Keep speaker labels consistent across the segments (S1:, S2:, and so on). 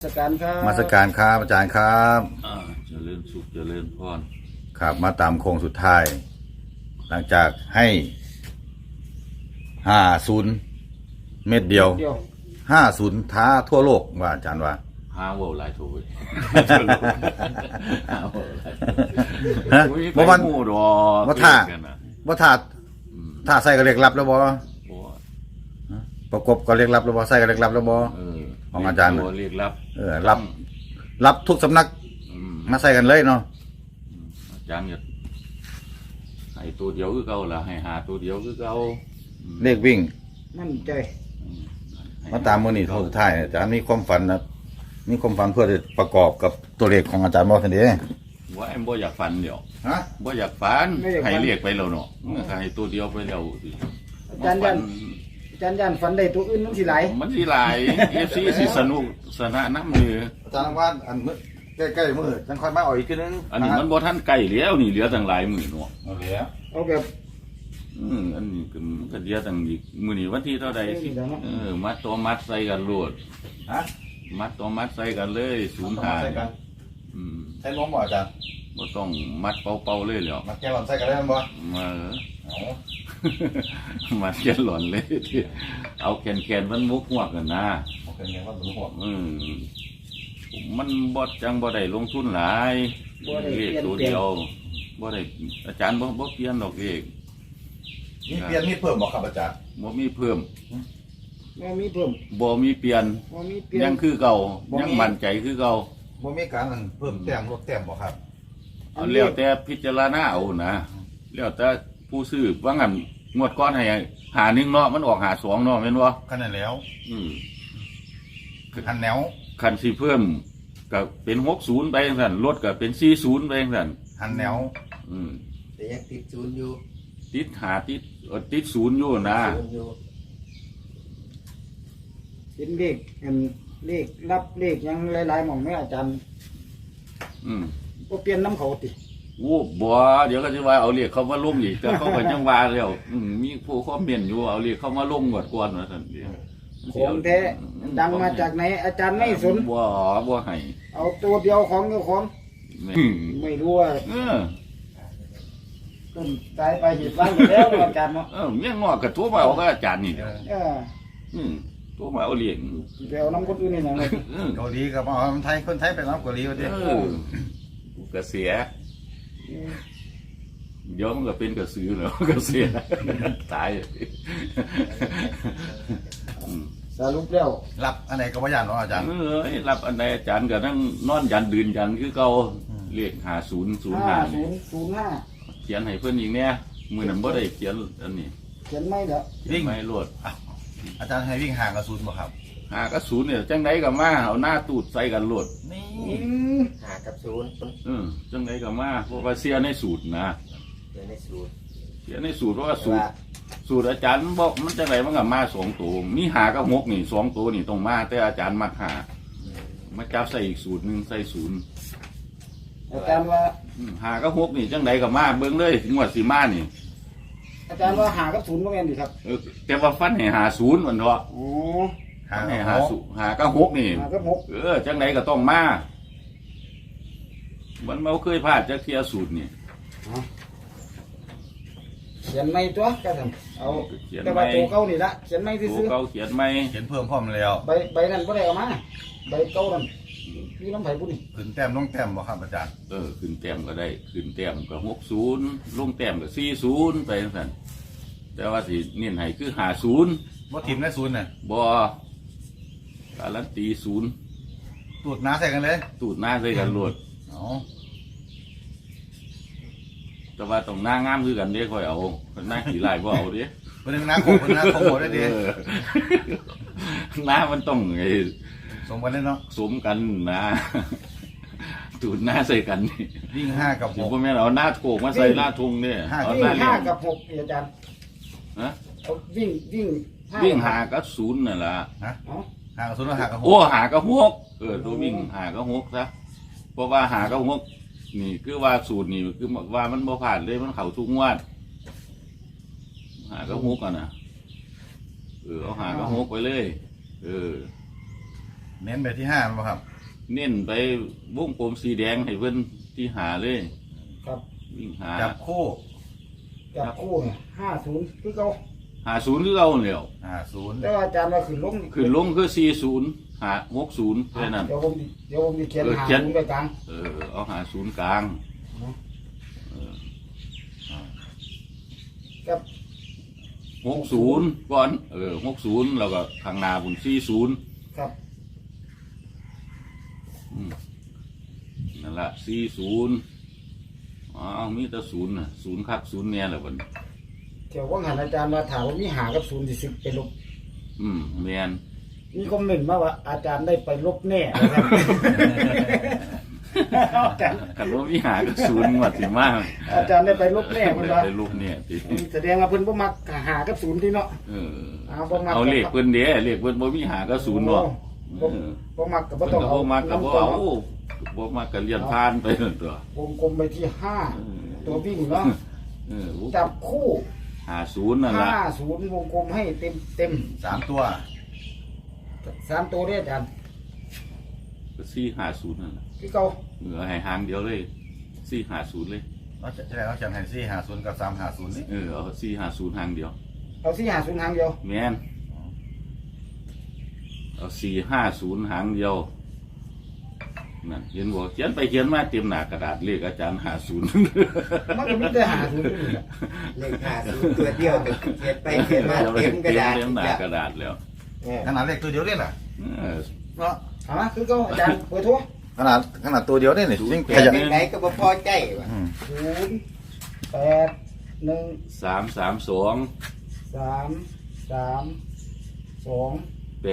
S1: มาสการครับ
S2: มาสการครับอาจารย์ครับ
S3: เจริญสุขเจริญพร
S2: ครับมาตามโค้งสุดท้าย หลังจากให้50 เม็ดเดียว50ท้าทั่วโลกว่าอาจารย์ว่า
S3: หาว่าหลายโถยหาว่าหลาย
S2: ฮะบ่มัน
S3: ว่า
S2: ถ้าใส่ก็เรียกรับแล้วบ่ประกบก็เรียกรับแล้วบ่ใส่ก็เรียกรับแล้วบ่ของอาจารย์
S3: เรียกรับ
S2: รับทุกสำนักมาใส่กันเลยเนาะ
S3: อาจารย์เนี่ยให้ตัวเดียวคือเก่าล่ะให้หาตัวเดียวคือเก่า
S2: เลขวิ่ง
S1: มั่นใจ
S2: มาตามมื้อนี้เท่าสุดท้ายอาจารย์มีความฝันนะมีความฝันเพื่อจะประกอบกับตัวเลขของอาจารย์บ่ซั่นเด้
S3: ว่าแอมบ่อยากฝันเดี๋ยว
S2: ฮะ
S3: บ่อยากฝันให้เรียกไปแล้วเนาะให้ตัวเดียวไปแล้ว
S1: อาจารย์ยันฝันได้ตัวอื่นมันสิหลาย
S3: FC สิสนุกสนะน้ำมือ
S2: อาจารย์ว่าอันใกล้ๆมื้อจังค่อยมาเอาอีกทีนึง
S3: อันนี้มันบ่ทันใกล้แล้วนี่เหลือตั้งหลายมื้อเนาะ
S2: เอาแล้ว
S1: เอาแบบ
S3: อันนี้ก็เดียวตั้งอีกมื้อนี้วันที่เท่าใดสิมัดตัวมัดใส่กันโลด
S2: ฮะ
S3: มัดตัวมัดใส่กันเลย05
S2: ใส่ล้มบ่อาจารย์
S3: บ่ต้องมัดเป่าๆเลยแล้ว
S2: มัดแกลอนใส่กันได้บ่
S3: มัดแกลอนเลยเอาแขนมันมุกหัวกันนะ
S2: เอาแขนมันมุกหัว
S3: มันบ่จังบ่ได้ลงทุนหลายเลขตัวเดียวบ่ได้อาจารย์บ่เปลี่ยนดอกเลข
S2: มีเปลี่ยนมีเพิ่มบ่ครับอาจารย์
S3: บ่มีเพิ่ม
S1: บ่มีเพิ่ม
S3: บ่มีเปลี่ยนยังคือเก่ายังมั่นใจคือเก่า
S2: บ่มีการเพิ่มแต้มลดแต้มบ่ครับ
S3: เอาแล้วแต่พิจารณาเอานะแล้วแต่ผู้ซื้อว่างั้นงวดก้อนให้1เนาะมันออก52เนาะแม่นบ่
S2: คันนั้นแล้วคันแนว
S3: คันสิเพิ่มก็เป็น60ไปจังซั่นลดก็เป็น40ไปจังซั่น
S2: คันแนว
S1: แต่ยังติด0อยู่
S3: ติด0อยู่นะ
S1: เป็นเลขรับเลขยังหลายๆหม่องแม่อาจารย์บ่เปลี่ยนน้ำเขาติ
S3: โอ้บ่เดี๋ยวก็สิว่าเอาเลขเขามาลงอีกแต่เขาก็ยังว่าแล้วมีผู้คอมเมนต์อยู่เอาเลขเขามาลงงวดก่อนว่าซั่น
S1: ของแท้ดังมาจากไหนอาจารย์ไม่สน
S3: บ่ให้
S1: เอาตัวเดียวของเจ้าของไม่รู้ว่าต้นตายไปเหตุร้ายแล้วอาจารย์เนาะ
S3: เมียงอกก็โทรมาเอากับอาจารย์นี่โทรมาเอาเลี้ยง
S1: ไปเอาน้ำคนอื่นนี่หยังเลย
S2: เกาหลีกับเอาไทยคนไทยไปน้ำเกาหลีว่าดิ
S3: ก็เสียเดี๋ยวมันก็เป็นกระสือแล้วก็เสียตาย
S1: สรุปแล้ว
S2: รับอันไหนก็บ่ย่านเนาะอาจารย์
S3: รับอันไหนอาจารย์ก็นั่งนอนยันดื่นยันคือเก่าเลข
S1: 5005
S3: เขียนให้เพิ่นอีกเนี่ยมื้อนั้นบ่ได้เขียนอันนี้
S1: เขียนไม่เด้อ
S3: วิ่งไม่รวด
S2: อาจารย์ให้วิ่งห่างกับ0บ่ครับ
S3: ห่างกับ0เนี่ยจังไดก็มาเอาหน้าตูดใส่กันรวด
S1: นี่ห่างกับ0
S3: จังไดก็มาเพราะว่าเสียในสูตรนะเสียในสูตรเพราะว่าสูตรอาจารย์บอกมันจังไดมันก็มา2ตัวมีหากับ6นี่2ตัวนี่ต้องมาแต่อาจารย์มักหามาจับใส่อีกสูตรนึงใส่0
S1: อาจารย์ว่า
S3: หากับ6นี่จังไดก็มาเบิ่งเลยงวดสิมานี่
S1: อาจารย์ว่าหากับ0บ่แม่นดิครับ
S3: แต่ว่าฟันให้50มันเถาะให้หากับ6นี่จังไดก็ต้องมามันบ่เคยพลาดจักเที่ยสูตรนี่
S1: เขียนไม่ตัวก็ทำเอาแต่ว่าตัวเก่านี่ละเขียนไม่ซื่อ
S3: ตัวเก่าเขียนไม่
S2: เขียนเพิ่มพร้อมแล้ว
S1: ใบนั้นบ่ได้เอามาใบเก่านั่นมีน้ำไผ่บุญ
S2: ขึ้นแต้มลงแต้มบ่ครับอาจารย์
S3: ขึ้นแต้มก็ได้ขึ้นแต้มก็60ลงแต้มก็40ไปจังซั่นแต่ว่าสิเน้นให้คือ50
S2: บ่ทิ่มได้0น่ะ
S3: บ่การันตี
S2: 0ตูดหน้าใส่กันเลย
S3: ตูดหน้าใส่กันโลดแต่ว่าต้องหน้างามคือกันเด้ค่อยเอาหน้าขี้ลายบ่เอาเด้
S2: เพิ่นหน้าโคงเพิ่นหน้าโคงบ่ได้เด้
S3: หน้ามันต้อง
S2: สมกันเนาะ
S3: สมกันนะตูดหน้าใส่กัน
S2: วิ่ง5กับ6
S3: บ่แม่นเอาหน้าโคงมาใส่หน้าทุ่งเนี่ย
S1: เอาหน้า5กับ6อาจารย์
S3: ฮะ
S1: วิ่ง
S3: 5กับ0นั่นล่ะ
S2: ฮะ5กับ0แล้ว5กับ6
S3: โอ้5กับ6ตัววิ่ง5กับ6ซะเพราะว่า5กับ6นี่คือว่าสูตรนี่คือว่ามันบ่ผ่านเลยมันเข้าทุกงวดหาก็ฮุกอ่ะนะเอาหาก็ฮุกไปเลย
S2: เน้นไปที่5มั้ยครับ
S3: เน้นไปวงกลมสีแดงให้เพิ่นที่หาเลย
S1: ครับ
S3: วิ่งหา
S2: จับคู่
S1: จับคู่เนี่ย50คือเก่า
S3: หาศูนย์คือเอาแล้ว
S2: 50
S1: แต่ว่าอาจารย์ว่าขึ้นลง
S3: ขึ้นลงคือ40หา60แค่นั้น
S1: เดี๋ยวผมสิเขียน
S3: เขียน
S1: 50ไปกลาง
S3: เอาหาศูนย์กลาง
S1: กับ
S3: 60ก่อน60แล้วก็ข้างหน้าบุญ40
S1: ครับ
S3: นั่นละ40มีแต่ศูนย์น่ะศูนย์คักศูนย์เนี่ยแหละบัดนี้
S1: เดี๋ยวว่าหันอาจารย์มาถามว่ามีหากับ0สิสิไปลบ
S3: แม่น
S1: มีคอมเมนต์มาว่าอาจารย์ได้ไปลบแน่นะครับ อาจารย์
S3: คันว่ามีหากับศูนย์งวดสิมา
S1: อาจารย์ได้ไปลบแน่เพิ่นว่า
S3: ไปลูกเนี่ยติ
S1: แสดงว่าเพิ่นบ่มักหากับ0ที่เนาะ บ่มัก
S3: เอาเลขเพิ่นเด้เลขเพิ่นบ่มีหากับศูนย์เนาะ
S1: บ่มักก็บ่
S3: เพิ่น
S1: ต้อง
S3: ก็
S1: เอา
S3: บ่มักก็บ่เอาบ่มักก็เลียนผ่านไปนั่นตัว
S1: วงกลมไปที่5ตัววิ่งเนาะจับคู่
S3: 50นั่นล่ะ
S1: 50วงกลมให้เต็ม
S2: 3 ตัว
S1: 3ตัวเด้อาจารย์
S3: ก็450นั่นล่ะ
S1: คือเก่า
S3: ให้หางเดียวเลย450เลย
S2: เราจะได้เราจะให้450กับ350นี่
S3: เอา450หางเดียว
S1: เอา450หางเดียว
S3: แม่นเอา450หางเดียวนั่นเห็นบ่เขียนไปเขียนมาเต็มหน้ากระดาษเลขอาจารย์50
S1: มันก็มีแต่50อยู่นี่แหละ
S4: เลข50ตัวเดียวเขียนไปเขียนมาเต็มกระดาษ
S3: เต็มหน้ากระดาษแล้ว
S2: ขนาดเลขตัวเดียวนี่แหละ
S3: เออ
S2: เนาะ
S1: คือเก่าอาจารย์เบอร์โทร
S2: ขนาดตัวเดียวนี่นี่ยิ่ง
S4: เขี
S2: ข
S4: ยน
S2: ยัน
S4: ไหนก็บ่พอใจว่ะ
S1: 081
S3: 332
S1: 332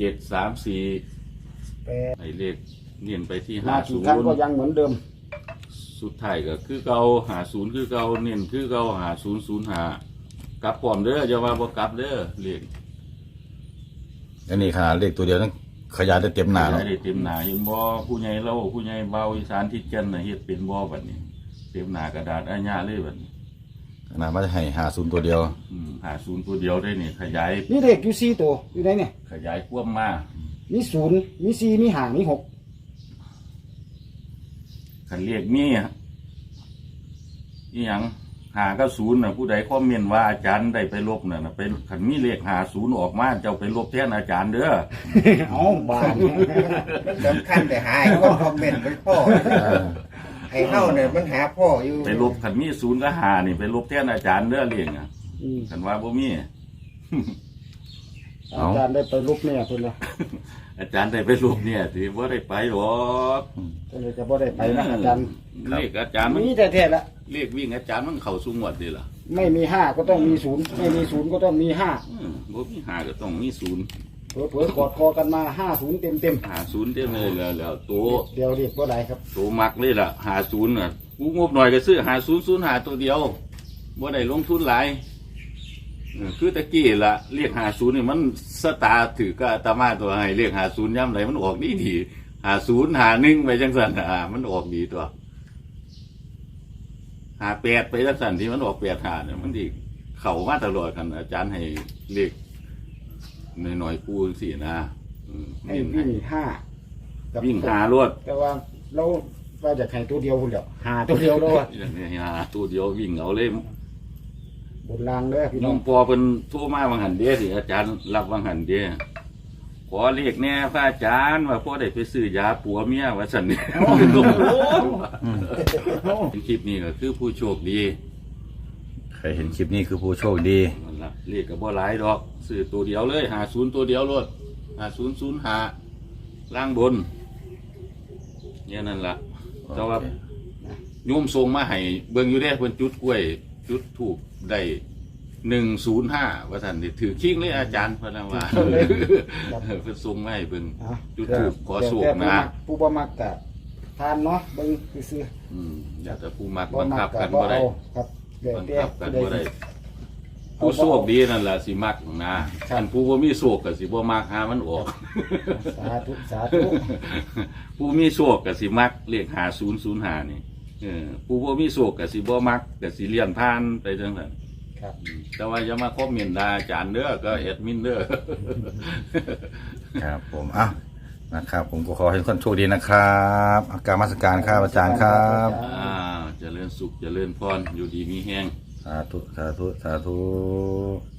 S3: 8734
S1: 8
S3: ไอ้เลขเนียนไปที่
S1: มากี่ครั้งก็ยังเหมือนเดิม
S3: 50สุดท้ายก็คือเก่า50คือเก่าเน้นคือเก่า5005กลับพร้อมเด้ออย่าว่าบ่กลับเด้อเลข
S2: อันนี้ขนาดเลขตัวเดียวนั่นขยายได้เต็มหน้าแล้ว
S3: ได้เต็มหน้าเห็นบ่ผู้ใหญ่เราผู้ใหญ่เบาอีสานที่เจนน่ะเฮ็ดเป็นบ่บัดนี้เต็มหน้ากระดาษอาญาเลยบัดนี้
S2: ขนาดมันจะให้50ตัวเดียว
S3: 50ตัวเดียวได้นี่ขยาย
S1: นี่เด็กอยู่4ตัวอยู่ไหนเนี่ย
S3: ขยายควบมา
S1: มี0มี4มี5มี6
S3: คันเรียกมีอีหยังหากับศูนย์น่ะผู้ใดคอมเมนต์ว่าอาจารย์ได้ไปลบน่ะนะเป็นคันมีเลข50ออกมาเจ้าไปลบแทนอาจารย์เด้อ
S1: เอาบาน
S4: มันสำคัญแต่หาให้คนคอมเมนต์มันพ่อไอ้เฮาเนี่ยมันหาพ่ออยู่
S3: ไปลบคันมีศูนย์กับหานี่ไปลบแทนอาจารย์เด้อเรียกอ่ะคันว่าบ่มี
S1: อาจารย์ได้ไปลบเนี่ยเพิ่นว่า
S3: อาจารย์ได้ไปลบเนี่ยที่บ่ได้ไปหรอก
S1: ก็เลยจะบ่ได้ไปนะอาจารย์
S3: เลขอาจารย์มัน
S1: มีแต่แท้ๆละ
S3: เลขวิ่งอาจารย์มันเข้าสู่งวดนี่ล่ะ
S1: ไม่มี5ก็ต้องมี0ไม่มี0ก็ต้องมี5
S3: บ่มีหาก็ต้องมีศูนย์
S1: เผลอๆกอดคอกันมา50เต็ม
S3: หาศูนย์เต็มเลยแล้วตัว
S1: ๆเดี๋ยวเรียกบ่ได้ครับ
S3: ตัวมักเลยล่ะ50น่ะกูงบหน่อยก็ซื้อ5005ตัวเดียวบ่ได้ลงทุนหลายคือตะกี้ล่ะเรียก50นี่มันสตาร์ถือก็อาตมาตัวให้เรียก50ย่ำไหนมันออกดี5051ไปจังซั่นมันออกดีตัว58ไปจังซั่นที่มันออก85เนี่ยมันดีเข้ามาตลอดกันอาจารย์ให้เลขหน่อยๆปูจังซี่นะ
S1: ให้
S3: เน้น
S1: วิ่ง5กับ
S3: วิ่งหารวด
S1: แต่ว่าเราว่าจะให้ตัวเดียวพุ่นเดียวหาตัวเดียวแล้วว่า
S3: อย่างนี้หาตัวเดียววิ่งเอาเลย
S1: บนรางเด้อพี่
S3: น้
S1: น้
S3: อ
S1: อง
S3: งปอเป็นโทั่วมาวังหันเดียสิอาจารย์รับวังหันเดียขอเรียกแน่พระอาจารย์ว่าพ่อได้ไปซื้อยาปัวเมียว่าสันนี่คลิปนี้ก็คือผู้โชคดี
S2: ใครเห็นคลิปนี้คือผู้โชคดี
S3: นั่นล่ะเรียกกับบ่หลายดอกซื้อตัวเดียวเลย50ตัวเดียวรถ5005ล่างบนเนี่ยนั่นล่ะแต่ว่าโยมทรงมาให้เบิ่งอยู่เด้เพิ่นจุดกล้วยจุดถูกได้105ว่าท่านนี่ถือคิงเลยอาจารย์เพิ่นว่าเพิ่นส่งมาให้เบิ่งจุดถูกขอสูกนะ
S1: ผู้บ่มักกะทานเนาะเบิ่งซื่อ
S3: อยากจะผู้มัก
S1: ๆ
S3: บังคับกัน
S1: บ่
S3: บ่ได้
S1: เอาครับเดี๋ยว
S3: บัง
S1: แต่
S3: คับกันบ่ได้ผู้โชคดีนั่นล่ะสิมักนะท่านผู้บ่มีโชคก็สิบ่มักหามันออก
S1: สาธุสาธุ
S3: ผู้มีโชคก็สิมักเลข5005นี่ผู้บ่มีโชคก็สิบ่มักก็สิเลี่ยนผ่านไปจังซั่น
S1: ครับ
S3: แต่ว่าอย่ามาคอมเมนต์ด่าอาจารย์เด้อก็แอดมินเด้อ
S2: ครับผมอ่ะนะครับ ผมก็ขอให้ทุกคนโชคดีนะครับอาการมาสการครับอาจารย์ครับ
S3: เจริญสุขเจริญพรอยู่ดีมีแห้ง
S2: สาธุ สาธุ สาธุ